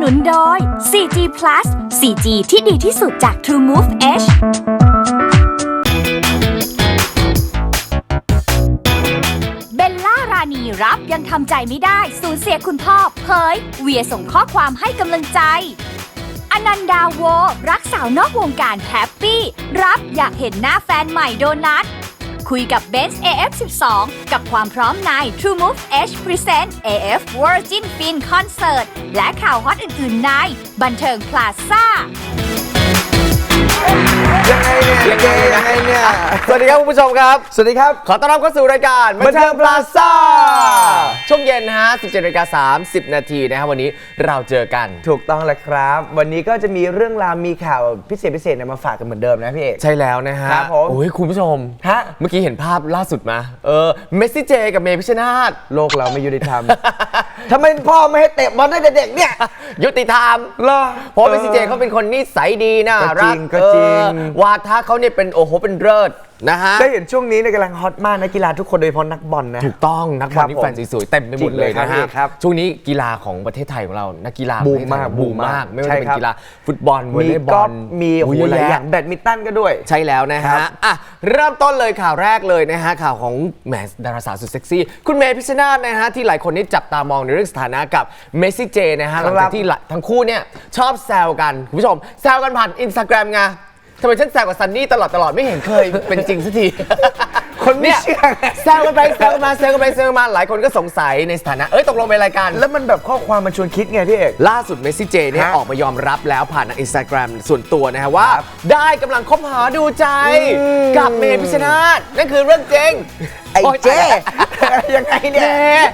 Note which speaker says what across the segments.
Speaker 1: นุนโดย 4G Plus 4G ที่ดีที่สุดจาก TrueMove Edge เบลล่ารานีรับยังทำใจไม่ได้สูญเสียคุณพ่อเผยเวียส่งข้อความให้กำลังใจอนันดาโวรักสาวนอกวงการแฮปปี้รับอยากเห็นหน้าแฟนใหม่โดนัทคุยกับเบนซ์ AF12 กับความพร้อมใน TrueMove Edge Present AF Virgin Fin Concert และข่าวฮอตอื่นๆในบันเทิงพลาซ่า
Speaker 2: ยังไงเนี่ยสวัสดีครับคุณผู้ชมครับสวัสดีครับขอต้อนรับเข้าสู่รายการบันเทิงพลาซ่าช่วงเย็นนะฮะ 17:30 นาทีนะครับวันนี้เราเจอกัน
Speaker 3: ถูกต้องแล้วครับวันนี้ก็จะมีเรื่องราวมีข่าวพิเศษมาฝากกันเหมือนเดิมนะพี่เอก
Speaker 2: ใช่แล้วนะฮะ
Speaker 3: ครับผม
Speaker 2: โอ้ยคุณผู้ชม
Speaker 3: ฮะ
Speaker 2: เมื่อกี้เห็นภาพล่าสุดมาเมสซี่เจกับเมย์พิชชนาธิ์
Speaker 3: โลกเราไม่ยุติธรรม ทำไมพ่อไม่ให้เตะบอลตั้งแต่เด็กเนี่ย
Speaker 2: ยุติธรรม
Speaker 3: เหรอ
Speaker 2: เพราะเมสซี่เจเขาเป็นคนนิสัยดีน่ารัก
Speaker 3: ก็จริง
Speaker 2: วาทะเขาเนี่ยเป็นโอ้โหเป็นเลิศนะฮะ
Speaker 3: ได้เห็นช่วงนี้ในกำลังฮอตมากนักกีฬาทุกคนโดยเฉพาะนักบอลนะ
Speaker 2: ถูกต้องนักบอลนี่แฟนสวยๆเต็มไปหมดเลยนะฮะช่วงนี้กีฬาของประเทศไทยของเรานักกีฬา
Speaker 3: บูมมาก
Speaker 2: ไม่ว่าจะเป็นกีฬาฟุตบอลวอลเลย์บอล
Speaker 3: มีหลายอย่างแบดมินตันก็ด้วย
Speaker 2: ใช่แล้วนะฮะอ่ะเริ่มต้นเลยข่าวแรกเลยนะฮะข่าวของแหมดาราสาวสุดเซ็กซี่คุณเมย์พิชชนาธิ์นะฮะที่หลายคนนี่จับตามองในเรื่องสถานะกับเมสซี่เจนะฮะหลังจากที่ทั้งคู่เนี่ยชอบแซวกันคุณผู้ชมแซวกันผ่าน Instagram ไงทำไมฉันแซวกับซันนี่ตลอดไม่เห็นเคยเป็นจริงสักที
Speaker 3: คนไม่เชื่อ
Speaker 2: แซวกันไปแซวกันมาแซวกันไปแซวกันมาหลายคนก็สงสัยในสถานะตกลงเป็นรายการ
Speaker 3: แล้วมันแบบข้อความมันชวนคิดไงพี่เอก
Speaker 2: ล่าสุดเมสซี่เจเนี่ยออกมายอมรับแล้วผ่านทาง Instagram ส่วนตัวนะฮะว่าได้กำลังคบหาดูใจกับเมย์พิชชนาธิ์นั่นคือเรื่องจริง
Speaker 3: ไอ้เจ๊ยังไงเนี่ย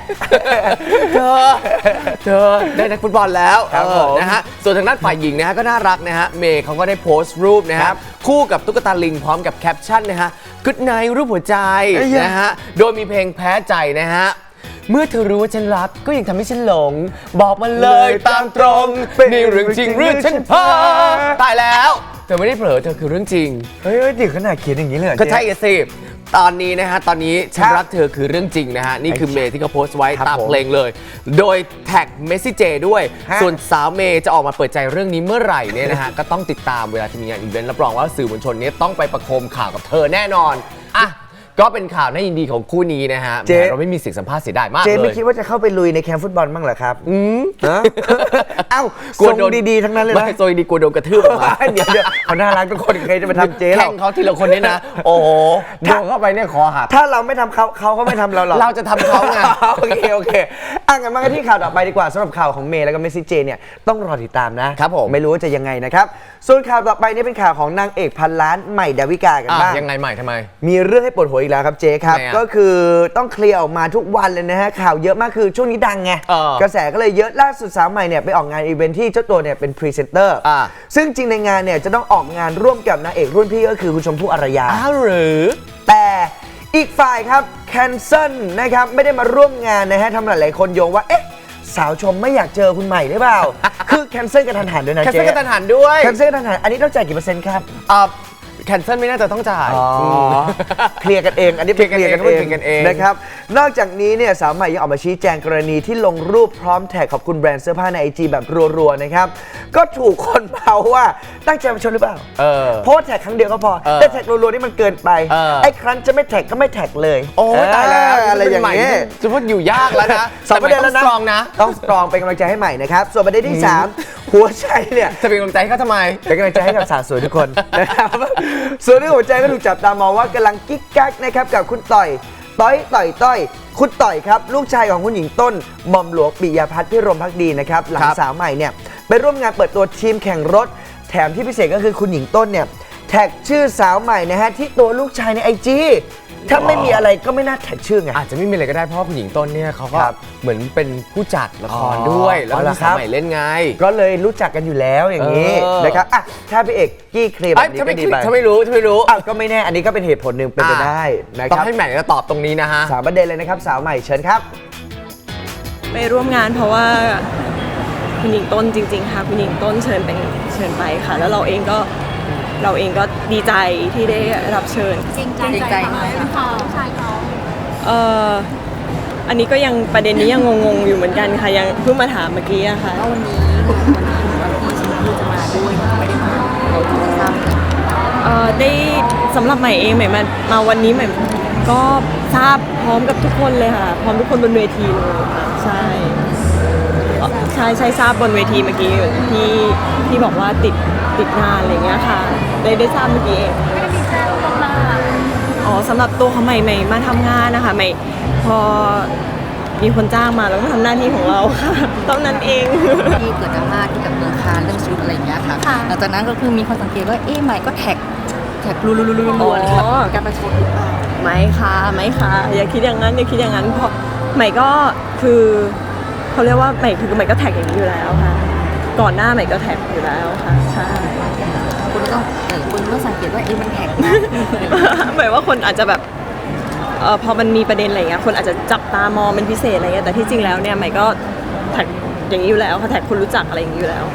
Speaker 2: เธอได้นักฟุตบอลแล้วนะฮะส่วนทางด้านฝ่ายหญิงนะฮะก็น่ารักนะฮะเมย์เขาก็ได้โพสต์รูปนะฮะคู่กับตุ๊กตาลิงพร้อมกับแคปชั่นนะฮะ Good night รูปหัวใจนะฮะโดยมีเพลงแพ้ใจนะฮะเมื่อเธอรู้ว่าฉันรักก็ยังทำให้ฉันหลงบอกมาเลยตามตรงนี่เรื่องจริงหรือฉันเพ้อตายแล้วเธอไม่ได้เผลอเธอคือเรื่องจริง
Speaker 3: เฮ้ยจริงขนาดเขียนอย่างนี้เลย
Speaker 2: ก็ใช่สิตอนนี้นะฮะตอนนี้ฉันรักเธอคือเรื่องจริงนะฮะนี่คือเมย์ที่เขาโพสต์ไว้ตามเพลงเลยโดยแท็กเมสซี่เจด้วยส่วนสาวเมย์จะออกมาเปิดใจเรื่องนี้เมื่อไหร่เนี่ยนะฮะก็ต้องติดตามเวลาที่มีงานอีเวนต์รับรองว่าสื่อมวลชนนี้ต้องไปประโคมข่าวกับเธอแน่นอนอ่ะก็เป็นข่าวน่ายินดีของคู่นี้นะฮะเราไม่มีเสียงสัมภาษณ์เสียดายมากเลย
Speaker 3: เจไม่คิดว่าจะเข้าไปลุยในแคมป์ฟุตบอลบ้างเหรอครับเอ้ากลัวโดนดีๆทั้งนั้นเลยนะ
Speaker 2: ไม่โซยดีกลัวโดนกระทืบ
Speaker 3: เดี๋ยวเขาน่ารักทุกคนใครจะมาทำเจ
Speaker 2: แข่งเขาทีละคนเนี่ยนะโอ้โหโดนเข้าไปเนี่ยคอหัก
Speaker 3: ถ้าเราไม่ทำเขาก็ไม่ทำเราหรอก
Speaker 2: เราจะทำเขาไง
Speaker 3: โอเคงั้นมากันที่ข่าวต่อไปดีกว่าสำหรับข่าวของเมย์แล้วก็เมสซี่เจเนี่ยต้องรอติดตามนะครับ
Speaker 2: ผม
Speaker 3: ไม่รู้ว่าจะยังไงนะครับส่วนข่าวต่อไปนี่เป็นข่าวของนางเอกพันล้านใหม่ดาวิกากันบ้าง
Speaker 2: ยังไงใหม่ทำไม
Speaker 3: มีเรื่องให้ปวดหัวอีกแล้วครับเจครับก็คือต้องเคลียร์ออกมาทุกวันเลยนะฮะข่าวเยอะมากคือช่วงนี้ดังไงกระแสก็เลยเยอะล่าสุดสาวใหม่เนี่ยไปออกงานอีเวนท์ที่เจ้าตัวเนี่ยเป็นพรีเซนเตอร์ซึ่งจริงในงานเนี่ยจะต้องออกงานร่วมกับนางเอกรุ่นพี่ก็คือคุณชมพู่อารยา
Speaker 2: หรือ
Speaker 3: แต่อีกฝ่ายครับแคนเซิลนะครับไม่ได้มาร่วมงานนะฮะทำหลายๆคนโยงว่าสาวชมไม่อยากเจอคุณใหม่หรือเปล่าคือแคนเซิลกันทันหันด้วยนะเจ๊
Speaker 2: แคนเซิลกันทันหันด้วย
Speaker 3: แคนเซิลกันทันหันอันนี้ต้องจ่ายกี่เปอร์เซ็นต์ครับ
Speaker 2: แคนเซิลไม่น่าจะต้องจ่าย
Speaker 3: เคลียร์กันเองอันนี้เคลียร์กันเองนะครับนอกจากนี้เนี่ยสาวใหม่ยังออกมาชี้แจงกรณีที่ลงรูปพร้อมแท็กขอบคุณแบรนด์เสื้อผ้าใน IG แบบรัวๆนะครับก็ถูกคนเมาว่าตั้งใจมาชนหรือเปล่าโพสแท็กครั้งเดียวก็พอแต่แท็กรัวๆนี่มันเกินไปไอ้ครั้งจะไม่แท็กก็ไม่แท็กเลย
Speaker 2: โอ้ตายแล้วอะไรอย่างนี้จะพูดอยู่ยากแล้วนะ
Speaker 3: 2 ประเด็นแล้วนะต้องสตรองเป็นกำลังใจให้ใหม่นะครับส่วนประเด็นที่3หัวใจเนี่ย
Speaker 2: จะเป็นกำลังใจให้เขาทำไม
Speaker 3: เป็นกำลังใจให้กับสาวสวยทุกคนนะครับส่วนเรื่องหัวใจก็ถูกจับตามองว่ากำลังกิ๊กกักนะครับกับคุณต้อยคุณต่อยครับลูกชายของคุณหญิงต้นหม่อมหลวงปิยพัฒน์พิรมภักดีนะครับหลังสาวใหม่เนี่ยไปร่วมงานเปิดตัวทีมแข่งรถแถมที่พิเศษก็คือคุณหญิงต้นเนี่ยแท็กชื่อสาวใหม่นะฮะที่ตัวลูกชายใน IG ถ้าไม่มีอะไรก็ไม่น่าแท็กชื่อไง
Speaker 2: อาจจะไม่มีอะไรก็ได้เพราะคุณหญิงต้นเนี่ยเขาก็เหมือนเป็นผู้จัดละครด้วยแล้วก็สาวใหม่เล่นไง
Speaker 3: ก็เลยรู้จักกันอยู่แล้วอย่างนี้นะครับถ้าพี่เอกกี้เคลียร์แบบนี้ก็ดีไป
Speaker 2: ถ้าไม่รู้
Speaker 3: ก็ไม่แน่อันนี้ก็เป็นเหตุผลหนึ่งเป็นไปได้นะครับ
Speaker 2: ต้องให้ใหม่จะตอบตรงนี้นะฮะ
Speaker 3: 3 ประเด็นเลยนะครับสาวใหม่เชิญครับ
Speaker 4: ไปร่วมงานเพราะว่าคุณหญิงต้นจริงๆค่ะคุณหญิงต้นเชิญไปค่ะแล้วเราเองก็ดีใจที่ได้รับเชิญ
Speaker 1: จริงใจไหมคะชายเขา
Speaker 4: อันนี้ก็ยังประเด็นนี้ยังงงๆอยู่เหมือนกันค่ะยังเพิ่งมาถามเมื่อกี้อะค่ะ
Speaker 5: แล้ววันนี้พี่ชมพู่จะมาด้วยไม่ได้มาเราจะทราบกัน
Speaker 4: ได้สำหรับใหม่เองใหม่มาวันนี้ใหม่ก็ทราบพร้อมกับทุกคนเลยค่ะพร้อมทุกคนบนเวทีเลยค่ะใช่ทราบบนเวทีเมื่อกี้ที่บอกว่าติดงานอะไรเงี้ยค่ะได้ทราบเมื่อกี้เองไม่ได้มีแจ้งมาอ๋อสำหรับตัวของใหม่มาทำงานนะคะใหม่พอมีคนจ้างมาแล้วก็ทำหน้าที่ของเราค่ะเท่านั้นเอง
Speaker 5: ที่เกิดดราม่าที่กับเมืองคานเรื่องชุดอะไรอย่างเงี้ยค่ะหลังจากนั้นก็คือมีคนสังเกตว่าใหม่ก็แท็กรัวๆเลยค่ะการประชดหรือเปล่า
Speaker 4: ไม่ค่ะอย่าคิดอย่างนั้นเพราะใหม่ก็คือเขาเรียกว่าใหม่ก็แท็กอย่างนี้อยู่แล้วค่ะก่อนหน้าใหม่ก็แท็กอยู่แล้วค่ะใช่
Speaker 5: คุณต้องสังเกตว่ามันแท็กนะ
Speaker 4: หมายว่าคนอาจจะแบบพอมันมีประเด็นอะไรเงี้ยคนอาจจะจับตามองเป็นพิเศษอะไรเงี้ยแต่ที่จริงแล้วเนี่ยใหม่ก็แท็กอย่างนี้อยู่แล้วค่ะแท็กคนรู้จักอะไรอย่างนี้อยู่แล้ว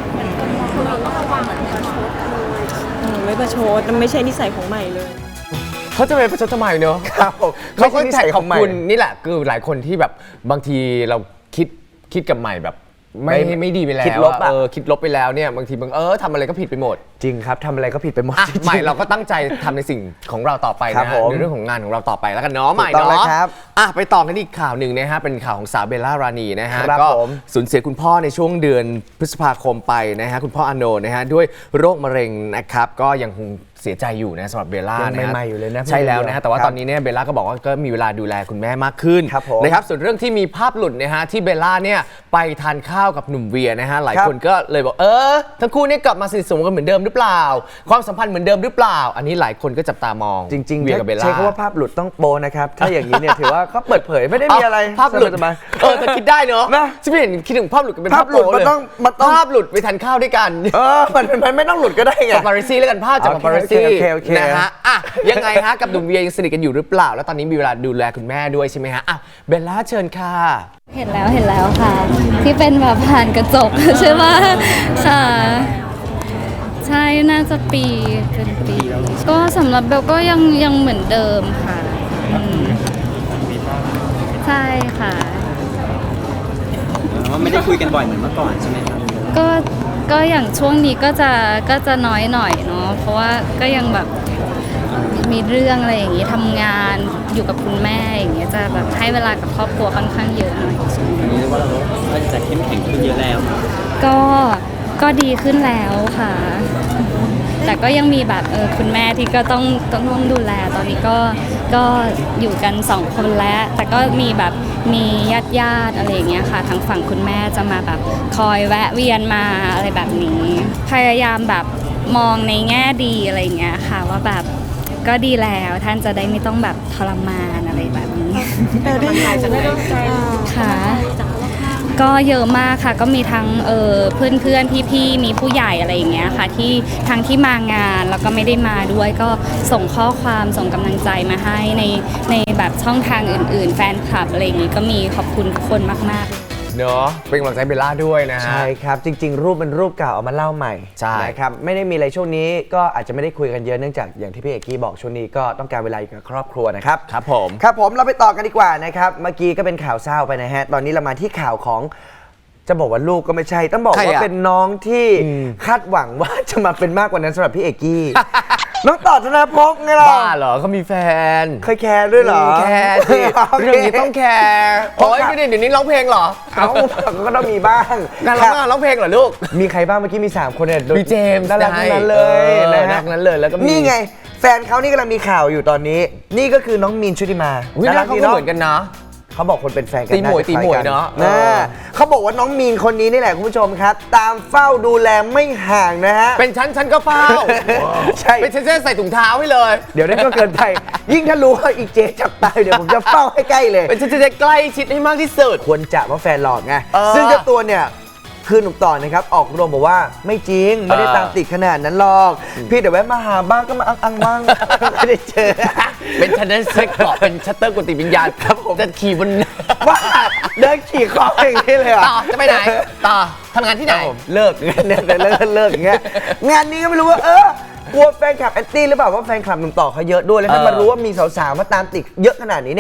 Speaker 4: ไม่ประชดมันไม่ใช่นิสัยของใหม่เลย
Speaker 2: เขาจะไปประชดทำไมเนอะ
Speaker 3: ครับผม
Speaker 2: เขาก็
Speaker 3: ไม่ใช่นิ
Speaker 2: แท็
Speaker 3: สั
Speaker 2: ก
Speaker 3: ย
Speaker 2: ข
Speaker 3: ข
Speaker 2: อ
Speaker 3: อบ งใหม่
Speaker 2: คุณนี่แหละคือหลายคนที่แบบบางทีเราคิดกับใหม่แบบไม่ดีไปแล้ว
Speaker 3: คิดลบอะ
Speaker 2: คิดลบไปแล้วเนี่ยบางทีทำอะไรก็ผิดไปหมด
Speaker 3: จริงครับทำอะไรก็ผิดไปหมด
Speaker 2: อ่ะ
Speaker 3: จริงๆ
Speaker 2: ใหม่เราก็ตั้งใจทำในสิ่งของเราต่อไป
Speaker 3: ครั
Speaker 2: นะ
Speaker 3: บผม
Speaker 2: ในเรื่องของงานของเราต่อไปแล้วกันเนาะใหม่
Speaker 3: ถูกต้อง
Speaker 2: เนาะ
Speaker 3: แล้วครับ
Speaker 2: อ่ะไปต่อกันอีกข่าวหนึ่งนะฮะเป็นข่าวของสาวเบลล่ารานีนะฮะ
Speaker 3: ครับ
Speaker 2: ก็
Speaker 3: ผม
Speaker 2: สูญเสียคุณพ่อในช่วงเดือนพฤษภาคมไปนะฮะคุณพ่ออาโนนะฮะด้วยโรคมะเร็งนะครับก็ยังคงเสียใจอยู่นะสำหรับเบลล่า
Speaker 3: ยัง
Speaker 2: นะฮะ
Speaker 3: ใหม่ๆอยู่เลยนะ
Speaker 2: ใช่แล้วนะฮะแต่ว่า
Speaker 3: ครับ
Speaker 2: ตอนนี้เนี่ยเบลล่าก็บอกว่าก็มีเวลาดูแลคุณแม่มากขึ้น
Speaker 3: ครับผม
Speaker 2: นะครับส่วนเรื่องที่มีภาพหลุดนะฮะที่เบลล่าเนี่ยไปทานข้าวกับหนุ่มเวียนะฮะหลาย
Speaker 3: ครับ
Speaker 2: คนก็เลยบอกทั้งคู่เนี่ยกลับมาสนิทสนมกันเหมือนเดิมหรือเปล่า ความสัมพันธ์เหมือนเดิมหรือเปล่า อันนี้หลายคนก็จับตามอง
Speaker 3: จริงๆ
Speaker 2: เวียกับเบลล่า
Speaker 3: ใช้คำว่าภาพหลุดต้องโปนะครับ ถ้าอย่างนี้เนี่ยถือว่าเขาเปิดเผยไม่ได้มีอะไร
Speaker 2: ภาพหลุด
Speaker 3: สบาย
Speaker 2: แต่คิดได้เนอะ
Speaker 3: นะ
Speaker 2: ฉันไม่เห็นคิดถึงภาพหลุดกันเป็น
Speaker 3: ภาพหลุด
Speaker 2: โป๊
Speaker 3: มันต้องมันต้อง
Speaker 2: ภาพหลุดไปทานข้าวด้วยกัน
Speaker 3: มันไม่ต้องหลุดก็ได้ไง
Speaker 2: ปาปาริซี่แล้วกันภาพจาก
Speaker 3: โอ
Speaker 2: ปา
Speaker 3: เค
Speaker 2: ปาริซี่
Speaker 3: โอเค
Speaker 2: นะฮะอ่ะยังไงฮะกับหนุ่มเวียยังสนิทกันอยู่หรือเปล่า แล้วตอนนี้มีเวลาดูแลคุณแม่ด้วยใช่ไหมฮะอ่ะเบลล่าเชิญค่ะ
Speaker 6: เห็นแล้วค่ะ ที่เป็นแบบผ่านกระจก ใช่ไหมค่ะ ใช่น่าจะเป็นปี ก็สำหรับเบลก็ยังเหมือนเดิมค่ะอืมใช่ค่ะ
Speaker 7: ว่าไม่ได้คุยกันบ่อยเหมือนเมื่อก่อนใช่ไหมครับ
Speaker 6: ก็อย่างช่วงนี้ก็จะน้อยหน่อยเนาะเพราะว่าก็ยังแบบมีเรื่องอะไรอย่างงี้ทำงานอยู่กับคุณแม่อย่างเงี้ยจะแบบให้เวลากับครอบครัวค่อนข้างเยอะหน่อย
Speaker 7: อันนี้เรียกว่าเราก็จะเข้มแข็งขึ้นเยอะแล้ว
Speaker 6: ก็ดีขึ้นแล้วค่ะ แต่ก็ยังมีแบบคุณแม่ที่ก็ต้องดูแลตอนนี้ก็อยู่กัน2 คนแล้ว แต่ก็มีแบบมีญาติอะไรอย่างเงี้ยค่ะทางฝั่งคุณแม่จะมาแบบคอยแวะเวียนมาอะไรแบบนี้ พยายามแบบมองในแง่ดีอะไรอย่างเงี้ยค่ะว่าแบบก็ดีแล้วท่านจะได้ไม่ต้องแบบทรมานอะไรแบบนี้ค่ะก็เยอะมากค่ะก็มีทั้งเพื่อนพี่ๆมีผู้ใหญ่อะไรอย่างเงี้ยค่ะที่ทั้งที่มางานแล้วก็ไม่ได้มาด้วยก็ส่งข้อความส่งกำลังใจมาให้ในแบบช่องทางอื่นๆ แฟนคลับอะไรอย่างงี้ก็มีขอบคุณทุกคนมากๆ
Speaker 2: เนอะเป็นกำลังใจเบลล่าด้วยนะฮะ
Speaker 3: ใช่ครับ จริง ๆ รูปเป็นรูปเก่าเอามาเล่าใหม่
Speaker 2: ใช่
Speaker 3: นะครับไม่ได้มีอะไรช่วงนี้ก็อาจจะไม่ได้คุยกันเยอะเนื่องจากอย่างที่พี่เอกกี้บอกช่วงนี้ก็ต้องการเวลาอยู่กับครอบครัวนะครับ
Speaker 2: ครับผม
Speaker 3: ครับผมเราไปต่อกันดีกว่านะครับเมื่อกี้ก็เป็นข่าวเศร้าไปนะฮะตอนนี้เรามาที่ข่าวของจะบอกว่าลูกก็ไม่ใช่ ต้องบอก
Speaker 2: ใคร
Speaker 3: ว่า
Speaker 2: อะ
Speaker 3: เป็นน้องที่คาดหวังว่าจะมาเป็นมากกว่านั้นสำหรับพี่เอกกี้ น้องต่อธนภพไงล่ะ
Speaker 2: บ้าเหรอเขามีแฟน
Speaker 3: เคยแคร์ด้วยเหรอ
Speaker 2: แคร์สิ
Speaker 3: โค
Speaker 2: เรื่องนี้ต้องแคร์โอ้ยไม่ได้เดี๋ยวนี้ร้องเพลงเหรอ
Speaker 3: เอ้าก็ต้องมีบ้าง
Speaker 2: งานร้องเพลงเหรอลูก
Speaker 3: มีใครบ้างเมื่อกี้มี 3 คนเนี่ย
Speaker 2: มีเจมส์
Speaker 3: น่ารักทั้งนั้นเลย
Speaker 2: น่า
Speaker 3: นะ
Speaker 2: รั
Speaker 3: ฮะ
Speaker 2: กนั้นเลยแล้วก็มี
Speaker 3: นี่ไง แฟนเขานี่กำลังมีข่าวอยู่ตอนนี้ นี่ก็คือน้องมีนชุติมา
Speaker 2: อุ๊ยหน้าเขาก็เหมือนกันนะ
Speaker 3: เขาบอกคนเป็นแฟนกัน
Speaker 2: ตีหมวย
Speaker 3: าจะคล้
Speaker 2: ตีหมวย
Speaker 3: กั
Speaker 2: เนอะ
Speaker 3: เขาบอกว่าน้องมีนคนนี้นี่แหละคุณผู้ชมครับ ตามเฝ้าดูแลไม่ห่างนะฮะ
Speaker 2: เป็นฉันก็เฝ้า
Speaker 3: ใช่
Speaker 2: เป็นฉันจะใส่ถุงเท้าให้เลย
Speaker 3: เดี๋ยวนั้นก็เกินไป ยิ่งถ้ารู้ว่าอีเจจับตายเดี๋ยวผมจะเฝ้าให้ใกล้เลย
Speaker 2: เป็นฉันจะใกล้ชิดให้มากที่สุด
Speaker 3: ควรจะว่าแฟนหลอกไง
Speaker 2: เออ
Speaker 3: ซึ่งเจ้าตัวเนี่ยคือหนุ่มต่อนะครับออกโรงบอกว่าไม่จริงไม่ได้ตามติดขนาดนั้นหรอกพี่แต่แวะมาหาบ้างก็มาอังบ้าง ไม่ได้เจอ
Speaker 2: เป็นฉันนั้นเซ็กเกาะเป็นชัตเตอร์กุฏิวิญญาณครับผมจะขี่บน
Speaker 3: ว่าเดินขี่คออย่างนี้เลยเหรอ
Speaker 2: ต่อจะไปไหนต่อทำงานที่ไหน
Speaker 3: เลิกเนี่ยเลิกอย่างเงี้ยงานนี้ก็ไม่รู้ว่ากลัวแฟนคลับแอนตี้หรือเปล่าว่าแฟนคลับหนุ่มต่อเขาเยอะด้วยแล้วถ้ามารู้ว่ามีสาวๆมาตามติดเยอะขนาดนี้เนี่ย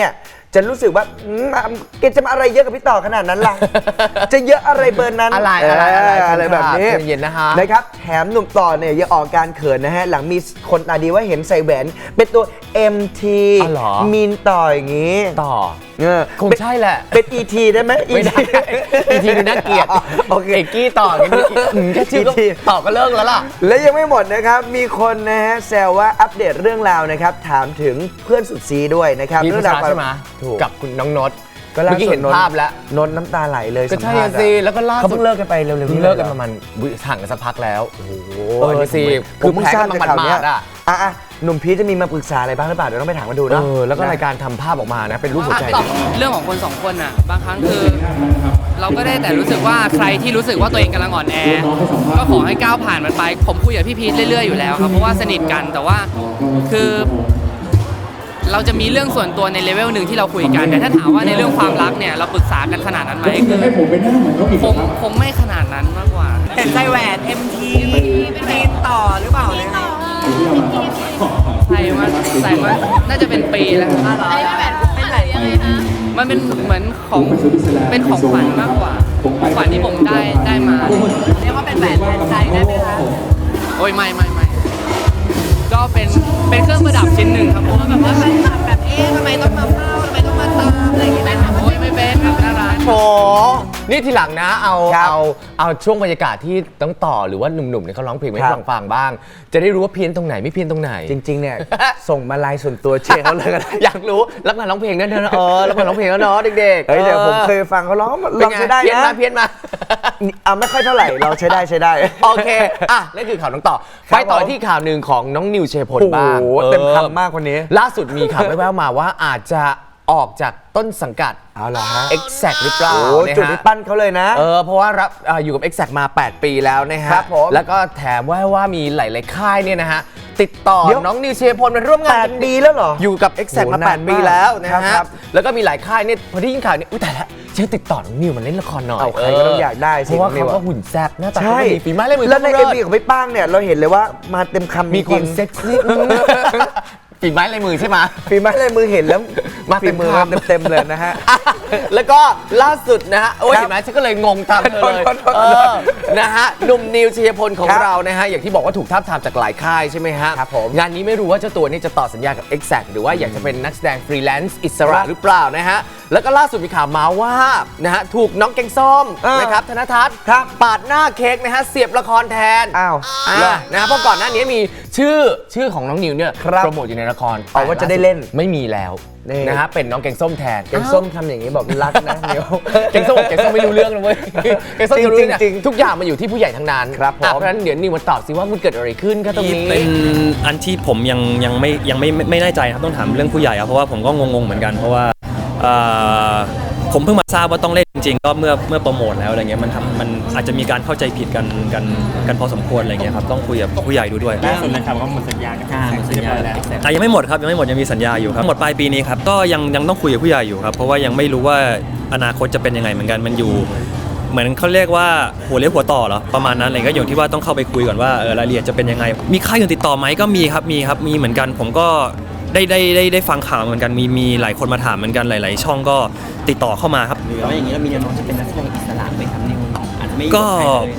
Speaker 3: จะรู้สึกว่าแกจะมาอะไรเยอะกับพี่ต่อขนาดนั้นล่ะ จะเยอะอะไรเบอร์นั้น อะไรแบบนี้
Speaker 2: เย็นๆนะฮะ
Speaker 3: นะครับแถมหนุ่มต่อเนี่ยยังออกการเขินนะฮะหลังมีคนตาดีว่าเห็นใส่แหวนเป็นตัว MT
Speaker 2: อ๋อเหรอ
Speaker 3: มีนต่ออย่างงี้
Speaker 2: ต่อ
Speaker 3: เออ
Speaker 2: คงใช่แหละ
Speaker 3: เป็น ET ได้ไหม
Speaker 2: ไม่ได้ ET ดูน่าเกลียด
Speaker 3: โอเค
Speaker 2: เอกกี้ต่อกันดูแค่ชื่อก็
Speaker 3: ET
Speaker 2: ต่อก็เลิกแล้วล่ะ
Speaker 3: และยังไม่หมดนะครับ มีคนนะฮะแซวว่าอัปเดตเรื่องราวนะครับ ถามถึงเพื่อนสุดซีด้วยนะครับ
Speaker 2: มีผู้ชาย
Speaker 3: เรื่องรว
Speaker 2: ใช่ไหม
Speaker 3: ถูก
Speaker 2: กับคุณน้องนด
Speaker 3: ก็ล่า
Speaker 2: เมื่อกี้
Speaker 3: สุด
Speaker 2: เห็นภาพแล้ว
Speaker 3: นนท์น้ำตาไหลเลย
Speaker 2: ก็
Speaker 3: สัม
Speaker 2: ใช่
Speaker 3: ภาษณ์
Speaker 2: สิแล้วก็ล่า
Speaker 3: เขา
Speaker 2: สุด
Speaker 3: เพิ่งเลิกกันไปเร็วๆ
Speaker 2: เพิ่
Speaker 3: นี้
Speaker 2: งเลิกกันประมาณห่างกันสักพักแล้ว
Speaker 3: โอ้โห
Speaker 2: สิ
Speaker 3: ผมเพิ่งทราบจากข่าวเนี้ย
Speaker 2: หมาดๆอ่ะ
Speaker 3: อ่ะหนุ่มพีชจะมีมาปรึกษาอะไรบ้างหรือเปล่าเดี๋ยวต้องไปถามมาดูนะ
Speaker 2: แล้วก็รายการทำภาพออกมานะ เป็นรูปหัวใจ
Speaker 8: เรื่องของคนสองคนน่ะบางครั้งคือ เราก็ได้แต่รู้สึกว่าใครที่รู้สึกว่าตัวเองกำลังอ่อนแอ ก็ขอให้ก้าวผ่านมันไป ผมคุยกับพี่พีทเรื่อยๆอยู่แล้วครับเพราะว่าสนิทกันแต่ว่าคือ เราจะมีเรื่องส่วนตัวในเลเวลหนึ่งที่เราคุยกันแต่ถ้าถามว่าในเรื่องความรักเนี่ยเราปรึกษากันขนาดนั้นไหมคือคงไม่ขนาดนั้นมากกว่า
Speaker 4: เห็นใส่แหวน MT มีนต่อหรือเปล่าเนี่ย
Speaker 8: ใส่มาน่าจะเป็นปีแล้วครับ
Speaker 4: เป็นแหวนยังไงคะ
Speaker 8: มันเป็นเหมือนของเป็นของขวัญมากกว่าของขวัญที่ผมได้มา
Speaker 4: เรียกว่าเป็นแหวนแทนใจได้ไหมคะ
Speaker 8: โอ้ยไม่ก็เป็นเครื่องประดับชิ้นหนึ่งครับผม
Speaker 4: แบบว่าแฟนคลับแบบทำไมต้องมาเฝ้าทำไมต้องมาตามอะไรอย่างเงี้ย
Speaker 8: โอ้ยไม่เป็นครับน่ารัก
Speaker 2: โอ้นี่ทีหลังนะเอา
Speaker 3: ครับ
Speaker 2: เอาช่วงบรรยากาศที่ต้องต่อหรือว่าหนุ่มๆเนี่ยเขาร้องเพลงให้
Speaker 3: ครับ
Speaker 2: ฟังบ้าง จะได้รู้ว่าเพี้ยนตรงไหนไม่เพี้ยนตรงไหน
Speaker 3: จริง ๆ เนี่ย ส่งมาไลน์ส่วนตัวเชียร์เขาเลยก็ได้
Speaker 2: อยากรู้รับงานร้องเพลงนั่นเถอะรับงานร้องเพลงแล้วเนาะเด็กๆ
Speaker 3: เฮ้ยเดี๋ยวผมเคยฟังเขาร้องลองใช้ได้
Speaker 2: เพี้ยน
Speaker 3: นะ
Speaker 2: มาเพี้ยนมา
Speaker 3: ไม่ค่อยเท่าไหร่เราใช้ได้
Speaker 2: โอเคนั่นคือข่าวน้องต่อ
Speaker 3: ครั
Speaker 2: ไป
Speaker 3: บ
Speaker 2: ต่อ
Speaker 3: ผม
Speaker 2: ที่ข่าวหนึ่งของน้องนิวเชยพล
Speaker 3: โอ้โห
Speaker 2: บ้าง
Speaker 3: เต็มคำมากคนนี้
Speaker 2: ล่าสุดมีข่าวแว่วๆมาว่าอาจจะออกจากต้นสังกัด
Speaker 3: เอาล่ะฮะ
Speaker 2: Exact หรือเปล่า
Speaker 3: โอ้
Speaker 2: นะฮะ
Speaker 3: จุดที่ปั้นเขาเลยนะ
Speaker 2: เพราะว่ารับอยู่กับ Exact มา 8 ปีแล้วนะฮะ
Speaker 3: ครับผม
Speaker 2: แล้วก็แถมว่ามีหลายๆค่ายเนี่ยนะฮะติดต่อ
Speaker 3: เดี๋ยว
Speaker 2: น้องนิวเชยพลมาร่วมงานกัน
Speaker 3: 8 ปีแล้วเหรอ
Speaker 2: อยู่กับ Exact
Speaker 3: โอ้
Speaker 2: มา
Speaker 3: นาน
Speaker 2: 8 ปี
Speaker 3: มาก
Speaker 2: แล้วนะ
Speaker 3: ครั
Speaker 2: ฮะ
Speaker 3: บ
Speaker 2: แล้วก็มีหลายค่ายเนี่ยพอที่ยินข่าวเนี่ยอุ้ยแต่ละฉันติดต่อน้องนิวมาเล่นละครหน่อย
Speaker 3: เอาใครก็ต้องอยากได้สิ
Speaker 2: เพราะว่า
Speaker 3: น้องนิ
Speaker 2: เขา
Speaker 3: วอะ
Speaker 2: ก็หุ่นแซ่บหน้าตา
Speaker 3: ใช่
Speaker 2: เขาดีฝีไม้ลายมือ
Speaker 3: แล้วใน
Speaker 2: ขา
Speaker 3: MV ของพี่ป้างเนี่ยเราเห็นเลยว่ามาเต็มคำ
Speaker 2: มีความ
Speaker 3: จริงๆ
Speaker 2: เซ็กซี่ฝีไม้ลายมือใช่ไหม
Speaker 3: ฝีไม้ลายมือเห็นแล้ว
Speaker 2: มาเต็ม
Speaker 3: ฝีมือ
Speaker 2: คำ
Speaker 3: เต็มๆเลยนะฮะ
Speaker 2: แล้วก็ล่าสุดนะฮะโอ้ย
Speaker 3: ครับ
Speaker 2: เห็นไหมฉันก็เลยงงตามเธอเลย
Speaker 3: โทษ
Speaker 2: นะฮะหนุ่มนิวชัยพลของ
Speaker 3: ครับ
Speaker 2: เรานะฮะอย่างที่บอกว่าถูกทาบทามจากหลายค่ายใช่ไหมฮะ
Speaker 3: ครับผม
Speaker 2: งานนี้ไม่รู้ว่าเจ้าตัวนี้จะต่อสัญญากับ Exact หรือว่าอยากจะเป็นนักแสดงฟรีแลนซ์อิสระหรือเปล่านะฮะแล้วก็ล่าสุดมีข่าวมาว่านะฮะถูกน้องแกงส้มนะครับธนทัศน์
Speaker 3: ครับ
Speaker 2: ปาดหน้าเค้กนะฮะเสียบละครแทน
Speaker 3: อ้าว
Speaker 2: นะฮะเพราะก่อนหน้านี้มีชื่อของน้องนิวเนี่ย
Speaker 3: ครับ
Speaker 2: โปรโมทอยู่ในละคร
Speaker 3: เอาว่าจะได้เล่น
Speaker 2: ไม่มีแล้ว
Speaker 3: นี่
Speaker 2: นะฮะเป็นน้องแกงส้มแทน
Speaker 3: แกงส้มทำอย่างนี้บอกรักนะเดี๋ยว
Speaker 2: แกงส้มไม่รู้เรื่องเลยเว้ยแกงส้มจะรู้เนี่ย
Speaker 3: จริงๆ
Speaker 2: ทุกอย่างมันอยู่ที่ผู้ใหญ่ทั้งนั้น
Speaker 3: ครับผม
Speaker 2: เพราะฉะนั้นเดี๋ยวนิวมาตอบสิว่ามันเกิดอะไรขึ้นครับตรงนี้
Speaker 9: เป็นอันที่ผมยังไม่แน่ใจครับต้องถามเรื่องผู้ใหญ่ครับเพราะว่าผมก็งงเหมือนกันเพราะว่าผมเพิ่งมาทราบว่าต้องเล่นจริงๆก็เมื่อโปรโมทแล้วอะไรเงี้ยมันอาจจะมีการเข้าใจผิดกันพอสมควรอะไรเงี้ยครับต้องคุยกับผู้ใหญ่ดูด้วย
Speaker 7: ล่าสุดนะครับว่าหมดสัญญากับหมดสัญญาแล้ว
Speaker 9: ยังไม่หมดครับยังมีสัญญาอยู่ครับหมดปลายปีนี้ครับก็ยังต้องคุยกับผู้ใหญ่อยู่ครับเพราะว่ายังไม่รู้ว่าอนาคตจะเป็นยังไงเหมือนกันมันอยู่เหมือนเขาเรียกว่าหัวเลี้ยวหัวต่อเหรอประมาณนั้นอะไรก็อย่างที่ว่าต้องเข้าไปคุยก่อนว่ารายละเอียดจะเป็นยังไงมีค่ายอื่นติดต่อไหมก็มีครับมีเหมือนกันผมก็ได้ฟังข่าวเหมือนกันมีหลายคนมาถามเหมือนกันหลาย ๆ ช่องก็ติดต่อเข้ามาครับ
Speaker 7: หรือว่าอย่างนี้เรามีแนวโน้มจะเป็นนักแสดงอิสระไหมครับนิวอาจจะไม่อยู่
Speaker 9: ก็
Speaker 7: บใครเลย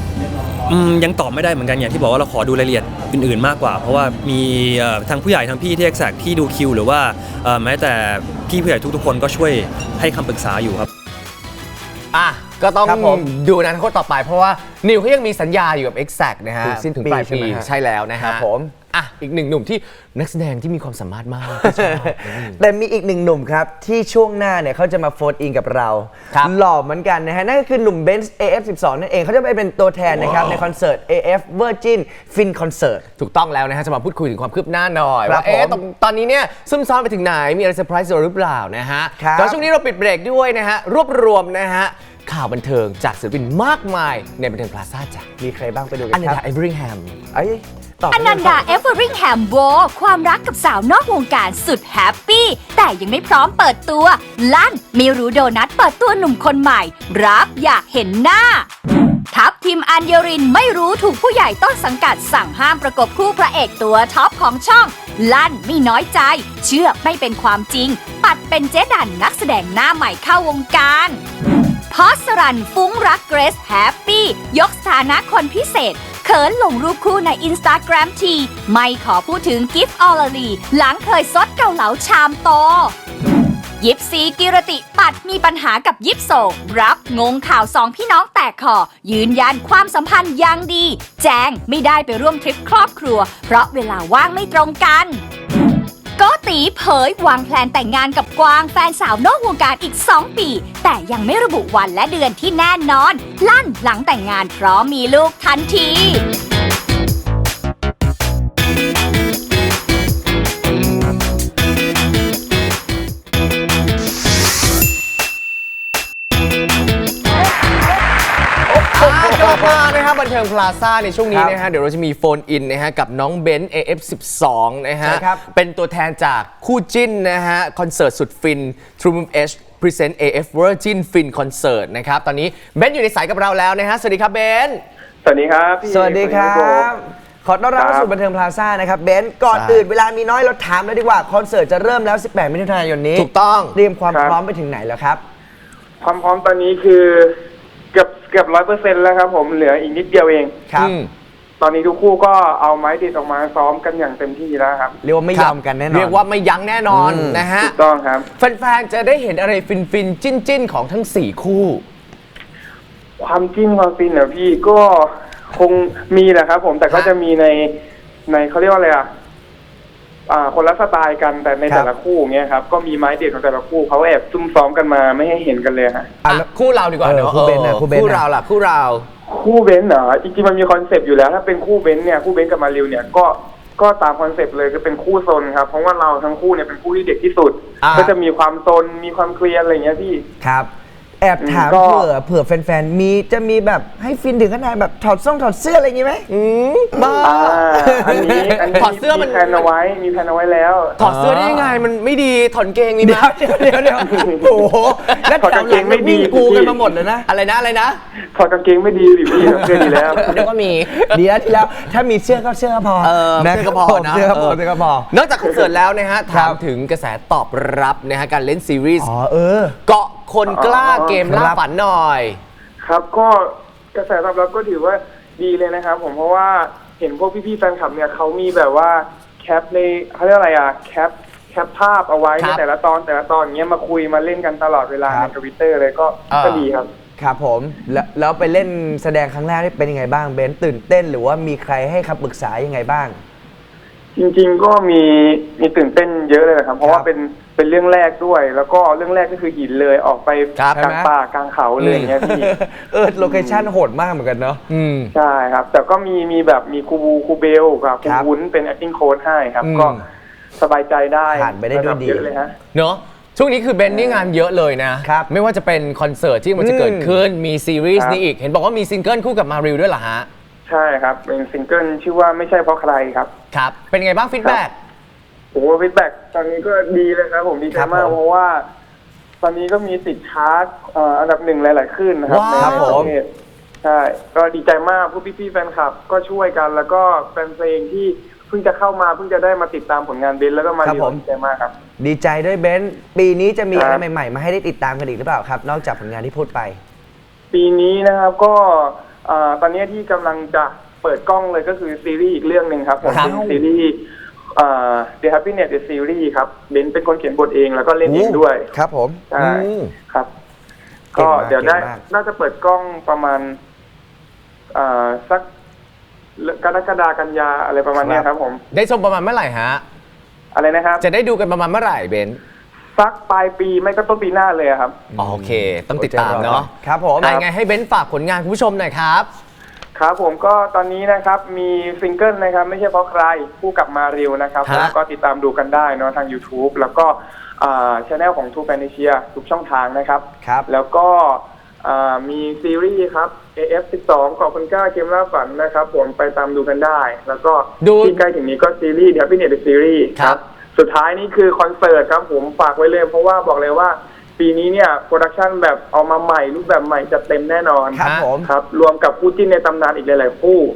Speaker 9: ยังตอบไม่ได้เหมือนกันอย่างที่บอกว่าเราขอดูรายละเอียดอื่น ๆ มากกว่า เพราะว่ามีทางผู้ใหญ่ทางพี่ที่ Exact ที่ดูคิวหรือว่าแม้แต่พี่ผู้ใหญ่ทุก ๆ คนก็ช่วยให้คำปรึกษาอยู่ครับ
Speaker 2: ก็ต้อง
Speaker 3: ครับผม
Speaker 2: ดูอนาคตต่อไปเพราะว่านิวเขายังมีสัญญาอยู่กับ Exact นะฮะ
Speaker 3: ถึงสิ้น
Speaker 2: ถึง
Speaker 3: ปี
Speaker 2: ปลาย
Speaker 3: ใช่
Speaker 2: ปี
Speaker 3: ไหมฮะ
Speaker 2: ใช่แล้วนะฮะ
Speaker 3: ครับผม
Speaker 2: อีกหนึ่งหนุ่มที่นักแสดงที่มีความสามารถมาก
Speaker 3: แต่มีอีกหนึ่งหนุ่มครับ ที่ช่วงหน้าเนี่ยเขาจะมาโฟนอินกับเรา
Speaker 2: ครับ
Speaker 3: หล่อเหมือนกันนะฮะ นั่นก็คือหนุ่มเบนซ์ AF12 นั่นเองเขาจะไปเป็นตัวแทนนะครับ ในคอนเสิร์ต AF Virgin Fin Concert
Speaker 2: ถูกต้องแล้วนะฮะจะมาพูดคุยถึงความคืบหน้าหน่อย
Speaker 3: ครับ
Speaker 2: ว่า
Speaker 3: ผม
Speaker 2: ตอนนี้เนี่ยซุ่มซ้อมไปถึงไหนมีอะไรเซอร์ไพรส์หรือเปล่านะฮะ
Speaker 3: ครับ
Speaker 2: แล้วช่วงนี้เราปิดเบรกด้วยนะฮะรวบรวมนะฮะข่าวบันเทิงจากศิลปินมากมายในบันเทิงพลาซ่าจ้ะ
Speaker 3: มีใครบ้างไปดูกั
Speaker 2: อัน
Speaker 3: น
Speaker 2: นี้
Speaker 3: ครับ
Speaker 2: ไอเบอริงแฮม
Speaker 3: เอ้ยตอบ
Speaker 1: อนันดาเอเวอริงแฮมโวความรักกับสาวนอกวงการสุดแฮปปี้แต่ยังไม่พร้อมเปิดตัว ลั่นไม่รู้โดนัทเปิดตัวหนุ่มคนใหม่ รับอยากเห็นหน้า ทัพทีมอัญญรินไม่รู้ถูกผู้ใหญ่ต้นสังกัดสั่งห้ามประกบคู่พระเอกตัวท็อปของช่องลั่นไม่น้อยใจ เชื่อไม่เป็นความจริง ปัดเป็นเจ๊ดันนักแสดงหน้าใหม่เข้าวงการพอสรันฟุ้งรักเกรซแฮปปี้ยกสถานะคนพิเศษเขินลงรูปคู่ใน Instagram ทีไม่ขอพูดถึงกิฟต์ออลลีหลังเคยซดเกาเหลาชามโตยิปซีกิรติปัดมีปัญหากับยิปโซรับงงข่าวสองพี่น้องแตกคอยืนยันความสัมพันธ์ยังดี แจงไม่ได้ไปร่วมทริปครอบครัวเพราะเวลาว่างไม่ตรงกันโกตีเผยวางแผนแต่งงานกับกวางแฟนสาวนอกวงการอีก 2 ปี แต่ยังไม่ระบุวันและเดือนที่แน่นอนลั่นหลังแต่งงานพร้อมมีลูกทันที
Speaker 2: กลับมานะครับบันเทิงพลาซ่าในช่วงนี้นะฮะเดี๋ยวเราจะมีโฟนอินนะฮะกับน้องเบนซ์ AF12 นะฮะเป็นตัวแทนจากคู่จิ้นนะฮะคอนเสิร์ตสุดฟิน True Move H Present AF Virgin Fin Concert นะครับตอนนี้เบนซ์อยู่ในสายกับเราแล้วนะฮะสวัสดีครับเบนซ์
Speaker 10: สวัสดีครับพี่
Speaker 3: สวัสดีครับขอต้อนรับเข้าสู่บันเทิงพลาซ่านะครับเบนซ์ก่อนอื่นเวลามีน้อยเราถามเลยดีกว่าคอนเสิร์ตจะเริ่มแล้ว18 มิถุนายนนี้
Speaker 2: ถูกต้อง
Speaker 3: เตรียมความพร้อมไปถึงไหนแล้วครับ
Speaker 10: ความพร้อมตอนนี้คือเกือบ 100% แล้วครับผมเหลืออีกนิดเดียวเอง
Speaker 3: ครับ
Speaker 10: ตอนนี้ทุกคู่ก็เอาไม้ติดออกมาซ้อมกันอย่างเต็มที่แล้วครับ
Speaker 3: เรียกว่าไม่ยอมกันแน่นอน
Speaker 2: เรียกว่าไม่ยั้งแน่นอนนะฮะ
Speaker 10: ถูกต้องครับ
Speaker 2: แฟนๆจะได้เห็นอะไรฟินๆจิ้นๆของทั้ง4คู่
Speaker 10: ความจิ้นความฟินเนี่ยพี่ก็คงมีแหละครับผมแต่ก็จะมีในเขาเรียกว่าอะไรคนละสไตล์กันแต่ในแต่ละคู่เงี้ยครับก็มีไม้เด็ดของแต่ละคู่เขาแอบซุ่มซ้อมกันมาไม่ให้เห็นกันเลยฮะ
Speaker 2: คู่เราดีกว่าเนอะ
Speaker 3: คู่เบนซ์
Speaker 2: คู่เราล่ะคู่เรา
Speaker 10: คู่เบนซ์เหรอจริงๆมันมีคอนเซปต์อยู่แล้วถ้าเป็นคู่เบนซ์เนี่ยคู่เบนซ์กับมาริวเนี่ยก็ตามคอนเซปต์เลยคือเป็นคู่ซนครับเพราะว่าเราทั้งคู่เนี่ยเป็นคู่ที่เด็กที่สุดก็จะมีความซนมีความเคลียร์อะไรอย่างเงี้ยพี่
Speaker 3: ครับแอบถามเผื่อแฟนๆจะมีแบบให้ฟินถึงขนาดแบบถอดเสื้ออะไรอย่างงี้ไหม
Speaker 2: บ้า
Speaker 10: อันนี้
Speaker 2: ถอดเสื้อมัน
Speaker 10: มีแผนเอาไว้แล้ว
Speaker 2: ถอดเสื้อได้ยังไงมันไม่ดีถอดเกงมีไหม
Speaker 3: เดี๋ยวโอ้โห
Speaker 10: แล้วถอดกางเกงไม่ดี
Speaker 3: กูกันมาหมดเลยนะ
Speaker 2: อะไรนะ
Speaker 10: ถอดกางเกงไม่ดีหรือพี่เสื้อดีแล้ว
Speaker 2: เดี๋ยวก็มี
Speaker 3: เดี๋ยวที่แล้วถ้ามีเสื้อก็เสื้อพอ
Speaker 2: เสื้อก็พอนะ
Speaker 3: เสื้อก็พอน
Speaker 2: อกจากคอนเสิร์ตแล้วนะฮะถามถึงกระแสตอบรับนะฮะการเล่นซีรีส์เกาะคนกล้าเกมล่าฝันหน่อย
Speaker 10: ครับก็กระแสตอบรับก็ถือว่าดีเลยนะครับผมเพราะว่าเห็นพวกพี่ๆแฟนคลับเนี่ยเขามีแบบว่าแคปในเขาเรียกอะไรแคปภาพเอาไว้ในแต่ละตอนเงี้ยมาคุยมาเล่นกันตลอดเวลาใน Twitter เลยก็ดีครับ
Speaker 3: ครับผมแล้วไปเล่นแสดงครั้งแรกนี่เป็นยังไงบ้างเบนตื่นเต้นหรือว่ามีใครให้คำปรึกษายังไงบ้าง
Speaker 10: จริงๆก็มีตื่นเต้นเยอะเลยนะครับเพราะว่าเป็นเรื่องแรกด้วยแล้วก็เรื่องแรกก็คือหินเลยออกไปกลางป่ากลางเขาเลยอย่างเงี้ยพี่
Speaker 3: โลเคชั่นโหดมากเหมือนกันเนาะ
Speaker 10: ใช่ครับแต่ก็มีแบบมีครูเบลกับครูวุ้นเป็น acting coach ให้ครับก็สบายใจได้
Speaker 3: ผ่านไปได้ด้วยดี
Speaker 10: เลยฮะ
Speaker 2: เนาะช่วงนี้คือเบนนี่งานเยอะเลยนะไม่ว่าจะเป็นคอนเสิร์ตที่มันจะเกิดขึ้นมีซีรีส์นี้อีกเห็นบอกว่ามีซิงเกิลคู่กับมาริวด้วยเหรอฮะ
Speaker 10: ใช่ครับเป็นซิงเกิลชื่อว่าไม่ใช่เพราะใครครับ
Speaker 2: ครับเป็นไงบ้างฟีดแบ็ก
Speaker 10: โอ้ฟีดแบ็กตอนนี้ก็ดีเลยครับผมดีใจมากเพราะว่าตอนนี้ก็มีติดชาร์ตอันดับ1หลายๆขึ้นนะครับ
Speaker 3: ในประเทศ
Speaker 10: ใช่ก็ดีใจมากพวกพี่ๆแฟนคลับก็ช่วยกันแล้วก็แฟนเพลงที่เพิ่งจะเข้ามาเพิ่งจะได้มาติดตามผลงานเบนแล้วก็มาดีใจมากครับ
Speaker 3: ดีใจด้วยเบนปีนี้จะมีอะไรใหม่ๆมาให้ได้ติดตามกันอีกหรือเปล่าครับนอกจากผลงานที่พูดไป
Speaker 10: ปีนี้นะครับก็ตอนนี้ที่กำลังจะเปิดกล้องเลยก็คือซีรีส์อีกเรื่องหนึ่งครับผมเป็นซีรีส์The Happiness The Series ครับเบนเป็นคนเขียนบทเองแล้วก็เล่นเองด้วย
Speaker 3: ครับผม
Speaker 10: ใช่ครับก็เดี๋ยวน่าจะเปิดกล้องประมาณสักกรกฎาคมกันยาอะไรประมาณนี้ครับผม
Speaker 2: ได้ชมประมาณเมื่อไหร่ฮะ
Speaker 10: อะไรนะครับ
Speaker 2: จะได้ดูกันประมาณเมื่อไหร่เบน
Speaker 10: สักปลายปีไม่ก็ต้นปีหน้าเลยครับ
Speaker 2: โอเคต้องติดตามเนาะ
Speaker 3: ครับผม
Speaker 2: ยังไงให้เบนฝากผลงานคุณผู้ชมหน่อยครับ
Speaker 10: ครับผมก็ตอนนี้นะครับมีซิงเกิลนะครับไม่ใช่เพราะใครคู่กับมาริวนะครับก็ติดตามดูกันได้เนาะทาง YouTube แล้วก็channel ของ True Fantasia ทุกช่องทางนะครับแล้วก็มีซีรีส์ครับ AF12 เกาะคนกล้าเกมล่าฝันนะครับผมไปตามดูกันได้แล้วก็ที่ใกล้ถึงนี้ก็ซีรีส์ The Happiness The Series ครับสุดท้ายนี่คือคอนเสิร์ตครับผมฝากไว้เลยเพราะว่าบอกเลยว่าปีนี้เนี่ยโปรดักชันแบบเอามาใหม่รูปแบบใหม่จะเต็มแน่นอน
Speaker 3: ครับผม
Speaker 10: ครับรวมกับคู่จิ้นในตำนานอีกหลายๆคู่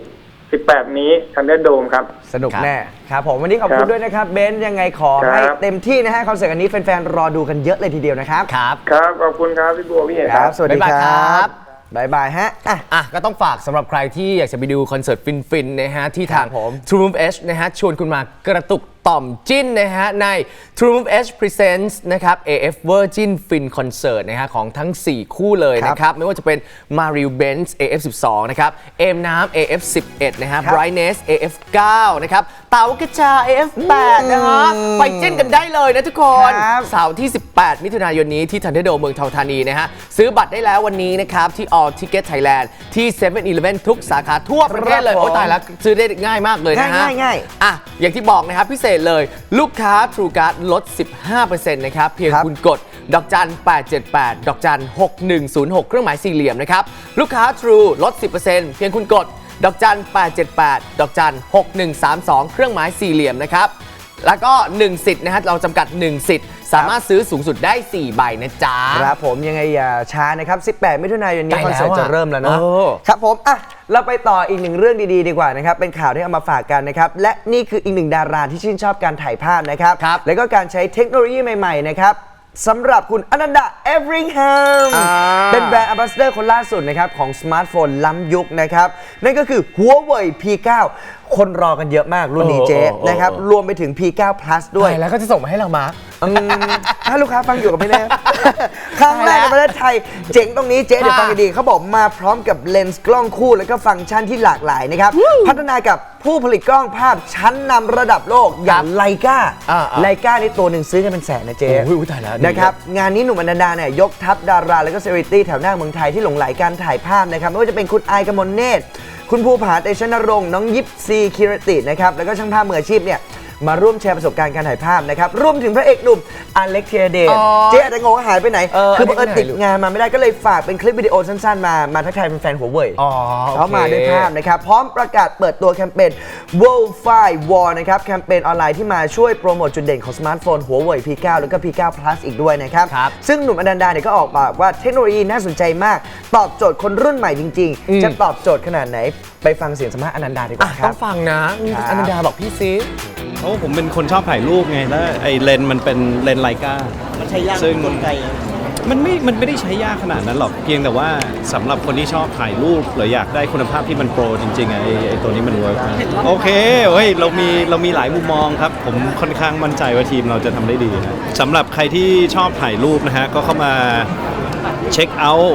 Speaker 10: 18 นี้ทันเดอร์โดมครับ
Speaker 3: สนุกแน่ครับผมวันนี้ขอบคุณด้วยนะครับเบนซ์ยังไงขอให้เต็มที่นะฮะคอนเสิร์ตอันนี้แฟนๆรอดูกันเยอะเลยทีเดียวนะครับ
Speaker 2: ครับ
Speaker 10: ครับขอบคุณครับพี่บัวพี่เอกครับ
Speaker 3: สวัสดี
Speaker 2: บ๊ายบาย
Speaker 3: ค
Speaker 2: ครั
Speaker 3: รับ บบ๊ายบายฮะอ่ะ
Speaker 2: ก็ต้องฝากสำหรับใครที่อยากจะไปดูคอนเสิร์ตฟินๆนะฮะที่ทาง
Speaker 3: ครับผม
Speaker 2: True Move H นะฮะชวนคุณมากระตุกต่อมจิ้นนะฮะใน True Move H Presents นะครับ AF Virgin Fin Concert นะฮะของทั้ง 4 คู่เลยนะครับไม่ว่าจะเป็น Mariel Benz AF 12นะครับเอมน้ำ AF 11นะฮะ Brightness AF 9นะครับเต๋ากระจา AF 8นะฮะไปจิ้นกันได้เลยนะทุกคนเสาร์ที่ 18 มิถุนายนนี้ที่ทันเดอร์โดมเมืองทองธานีนะฮะซื้อบัตรได้แล้ววันนี้นะครับที่ All Ticket Thailand ที่ 7-Eleven ทุกสาขาทั่วประเทศเลยโอ้ตายแล้วซื้อได้ง่ายมากเลยนะฮะ
Speaker 3: ง่าย
Speaker 2: อ่ะอย่างที่บอกนะครับพิเศษเลยลูกค้า True Card ลด 15% นะครับเพียงคุณกดดอกจัน 878 ดอกจัน 6106 เครื่องหมายสี่เหลี่ยมนะครับลูกค้า True ลด 10% เพียงคุณกดดอกจัน 878 ดอกจัน 6132 เครื่องหมายสี่เหลี่ยมนะครับแล้วก็ 1 สิทธิ์นะฮะเราจำกัด 1 สิทธิ์สามารถซื้อสูงสุดได้ 4 ใบนะจ๊ะ
Speaker 3: ครับผมยังไงอย่าช้านะครับ18 มิถุนายนนี้
Speaker 2: ใกล้
Speaker 3: คอนเสิร์ต
Speaker 2: แล้วอะ
Speaker 3: จะเริ่มแล้วเนาะ
Speaker 2: เออ
Speaker 3: ครับผมอ่ะเราไปต่ออีกหนึ่งเรื่องดีๆดีกว่านะครับเป็นข่าวที่เอามาฝากกันนะครับและนี่คืออีกหนึ่งดาราที่ชื่นชอบการถ่ายภาพนะครับแล้วก็การใช้เทคโนโลยีใหม่ๆนะครับสำหรับคุณอนันดาเอฟริงแฮมเป็นแบรนด์แอมบาสเดอร์คนล่าสุดนะครับของสมาร์ทโฟนล้ำยุคนะครับนั่นก็คือ Huawei P9 คนรอกันเยอะมากรุ่นนี้เจ๊นะครับรวมไปถึง P9 Plus ด้วย
Speaker 2: แล้วก็จะส่งมาให้เรามาร์ค
Speaker 3: ถ้าลูกค้าฟังอยู่กับไม่แน่ ครั้งแรกในประเทศไทยเจ๋งตรงนี้เจ๊เดี๋ยวฟังดีๆเขาบอกมาพร้อมกับเลนส์กล้องคู่แล้วก็ฟังก์ชันที่หลากหลายนะครับพัฒนากับผู้ผลิตกล้องภาพชั้นนำระดับโลกอย่างไลกาไลกานี่ตัวหนึ่งซื้อกันเป็นแสนนะเจ๊
Speaker 2: โอ้ยตายแล้ว
Speaker 3: นะครับงานนี้หนุ่มอนันดาเนี่ยยกทัพดาราแล้วก็เซเลบริตี้แถวหน้าเมืองไทยที่หลงไหลการถ่ายภาพนะครับไม่ว่าจะเป็นคุณไอกมลเนตรคุณภูผาเตชะนรงค์น้องยิปซีคิรตินะครับแล้วก็ช่างภาพมืออาชีพเนี่ยมาร่วมแชร์ประสบการณ์การถ่ายภาพนะครับรวมถึงพระเอกหนุ่มอเล็กเทียเดชเจ๊อาจจะงงว่าหายไปไหนคือบังเอิญติดงานมาไม่ได้ก็เลยฝากเป็นคลิปวิดีโอสั้นๆมาทักทายแฟนๆหัวเว่ยเขามาด้วยภาพนะครับพร้อมประกาศเปิดตัวแคมเปญ World Fire War นะครับแคมเปญออนไลน์ที่มาช่วยโปรโมทจุดเด่นของสมาร์ทโฟนหัวเว่ย P9 แล้วก็ P9 Plus อีกด้วยนะครับซึ่งหนุ่มอนันดาเนี่ยก็ออกปากว่าเทคโนโลยีน่าสนใจมากตอบโจทย์คนรุ่นใหม่จริงๆจะตอบโจทย์ขนาดไหนไปฟังเสียงสัมภาษณ์อนันดาดีกว่าครับ
Speaker 2: ต้องฟังนะอนันดาบอกพี่ซิ
Speaker 11: เพราะผมเป็นคนชอบถ่ายรูปไงแล้วไอ้เลนส์มันเป็นเลนส์ไลกามันใช้ยากซึ่งมันไม่ได้ใช้ยากขนาดนั้นหรอกเพียงแต่ว่าสำหรับคนที่ชอบถ่ายรูปหรืออยากได้คุณภาพที่มันโปรจริงๆไอ้ตัวนี้มันเวิร์กโอเคเฮ้ยเรามีหลายมุมมองครับผมค่อนข้างมั่นใจว่าทีมเราจะทำได้ดีนะสำหรับใครที่ชอบถ่ายรูปนะฮะก็เข้ามาเช็คเอาท์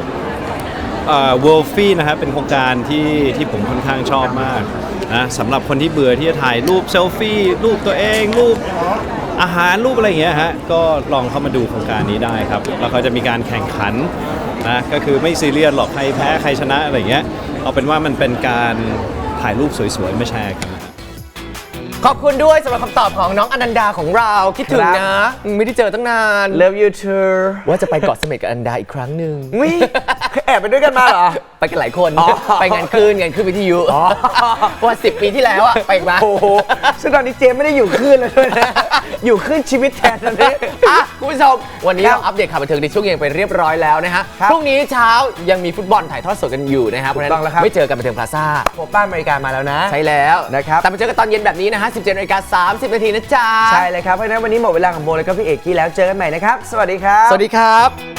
Speaker 11: World Fee นะฮะเป็นโครงการที่ผมค่อนข้างชอบมากนะสำหรับคนที่เบื่อที่จะถ่ายรูปเซลฟี่รูปตัวเองรูปอาหารรูปอะไรอย่างเงี้ยฮะก็ลองเข้ามาดูโครงการนี้ได้ครับแล้วเขาจะมีการแข่งขันนะก็คือไม่ซีเรียสหรอกใครแพ้ใครชนะอะไรอย่างเงี้ยเอาเป็นว่ามันเป็นการถ่ายรูปสวยๆมาแชร์กัน
Speaker 2: ขอบคุณด้วยสำหรับคำตอบของน้องอนันดาของเราคิดถึงนะไม่ได้เจอตั้งนาน
Speaker 3: Love you too
Speaker 2: ว่าจะไปเกาะเสม็ดกับอนันดาอีกครั้งหนึ่ง
Speaker 3: แอบไปด้วยกันมาเหรอ
Speaker 2: ไปกันหลายคนไปงานคลื่นวิทยุว่า10 ปีที่แล้วอะไปมา
Speaker 3: โอ้โหซึ่งตอนนี้เจมไม่ได้อยู่คลื่นแล้วด้วยนะอยู่คลื่นชีวิตแทนตอนนี้
Speaker 2: คุณผู้ชมวันนี้เราอัปเดตข่าวบันเทิงในช่วงเย็นไปเรียบร้อยแล้วนะฮะพรุ่งนี้เช้ายังมีฟุตบอลถ่ายทอดสดกันอยู่นะฮะเพราะฉะนั้นไม่เจอกันบันเทิงพลาซ่า
Speaker 3: โคป้าอเมริกามาแล้วนะ
Speaker 2: ใช่แล้ว
Speaker 3: นะครับ
Speaker 2: แต่มาเจอกันตอนเย็นแบบนี้นะฮะ 17:30 นาทีนะจ๊ะ
Speaker 3: ใช่เลยครับเพราะฉะนั้นวันนี้หมดเวลาของโบแล้วก็พี่เอกกี้แล้วเจอกันใหม่นะครับสวัสดีครับ
Speaker 2: สวัสดีครับ